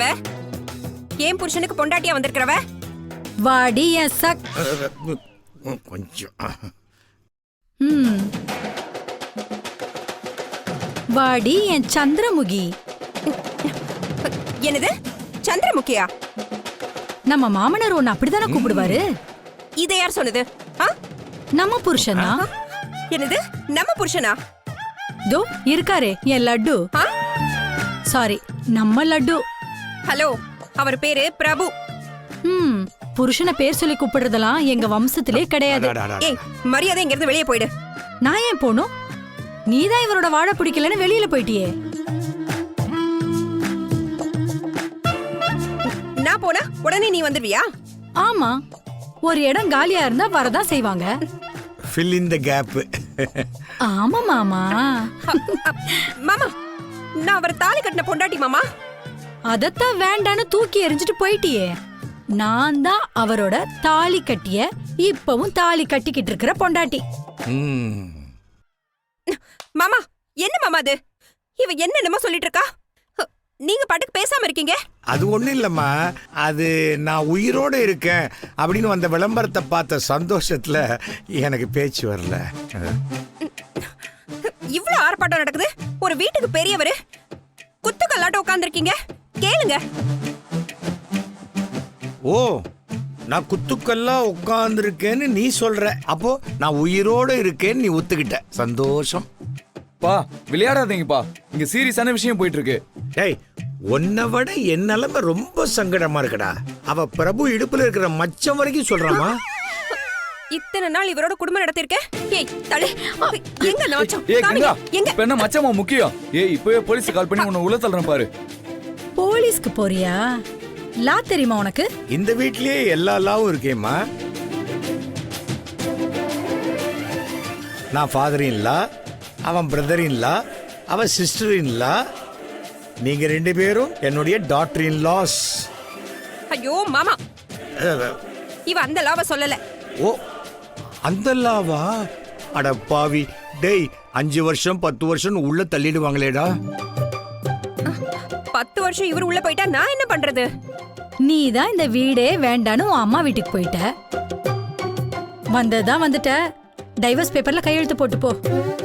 அவ? ஏன் புருஷனுக்கு பொண்டாட்டியா வந்திருக்கிறவ? வாடி என் சக். கொஞ்சம் வாடி என் சந்திரமுகி. என்னது சந்திரமுகியா? நம்ம மாமனார் ஒன்னு அப்படித்தானே கூப்பிடுவாரு. இதை யார் சொன்னது? நம்ம புருஷனா? என்னது நம்ம புருஷனா? தோ இருக்காரே என் லட்டு. சாரி, நம்ம லட்டு. ஹலோ, அவர் பேரு பிரபு. புருஷனை பேர் சொல்லி கூப்பிடுறதெல்லாம் எங்க வம்சத்திலே கிடையாது. ஏய், மரியாதை இங்க இருந்து வெளியே போயிடு. நான் ஏன் போனும்? நீதான் இவரோட வாழ பிடிக்கலன்னு வெளியில போயிட்டியே. நான் போனா உடனே நீ வந்துடுவியா? ஆமா, ஒரு இடம் காலியா இருந்தா வரதான் செய்வாங்க. fill in the gap. ஆமா மாமா. மாமா, நான் அவர் தாலி கட்டின பொண்டாட்டி மாமா. அதத்தான் வேண்டான்னு தூக்கி எறிஞ்சிட்டு போயிட்டியே. நான் தான் அவரோட தாலி கட்டிய, இப்பவும் தாலி கட்டிக்கிட்டு இருக்கிற பொண்டாட்டி. மாமா, என்ன மாமா அது? இவ என்னமா சொல்லிட்டு இருக்கா? நீங்க பாட்டுக்கு பேசாம இருக்கீங்க. அது ஒண்ணும் இல்லம்மா, அது நான் உயிரோட இருக்கேன் அப்படின்னு வந்த விளம்பரத்தை பார்த்த சந்தோஷத்துல எனக்கு பேச்சு வரல. இவ்ளோ ஆர்ப்பாட்டம் நடக்குது, ஒரு வீட்டுக்கு பெரியவரு குத்துக்கல்லாட்ட உட்கார்ந்துருக்கீங்க. கேளுங்க. ஓ, நான் குத்துக்கல்லா உட்கார்ந்துருக்கேன்னு நீ சொல்ற. அப்போ நான் உயிரோட இருக்கேன்னு நீ ஒத்துக்கிட்ட. சந்தோஷம். பா, விளையாடாதீங்கப்பா, இங்க சீரியஸான விஷயம் போயிட்டு இருக்கு. டேய், உன்னை விட என் நிலைமை ரொம்ப சங்கடமா இருக்குடா. அவ பிரபு இடுப்புல இருக்கிற மச்சம் வரைக்கும் சொல்றாமா. இத்தனை நாள் இவரோட குடும்பம் நடத்திருக்கேன். ஏய் தலை, எங்க நாச்சம்? ஏய் கங்கா, எங்க? இப்ப என்ன மச்சமா முக்கியம்? ஏய், இப்பவே போலீஸ் கால் பண்ணி உன்னை உள்ள தள்ளுறேன் பாரு. போலீஸ்க்கு போறியா? லா தெரியுமா உனக்கு? இந்த வீட்லயே எல்லா லாவும் இருக்கேம்மா. நான் ஃபாதர் இன் லா, அவன் பிரதர் இன் லா, அவன் சிஸ்டர் இன் லா, நீங்க ரெண்டு பேரும் என்னுடைய டாட்டர் இன் லாஸ். ஐயோ மாமா, இவ அந்த லாவ சொல்லல. ஓ, அந்த லாவா? அட பாவி. டேய், 5 வருஷம் 10 வருஷம் உள்ள தள்ளிடுவாங்களேடா. 10 வருஷம் இவர் உள்ள போயிட்டா நான் என்ன பண்றது? நீ தான் இந்த வீடே வேண்டான்னு உன் அம்மா வீட்டுக்கு போயிட்ட. வந்ததான் வந்துட்ட. டைவர்ஸ் பேப்பர்ல கையெழுத்து போட்டு போ.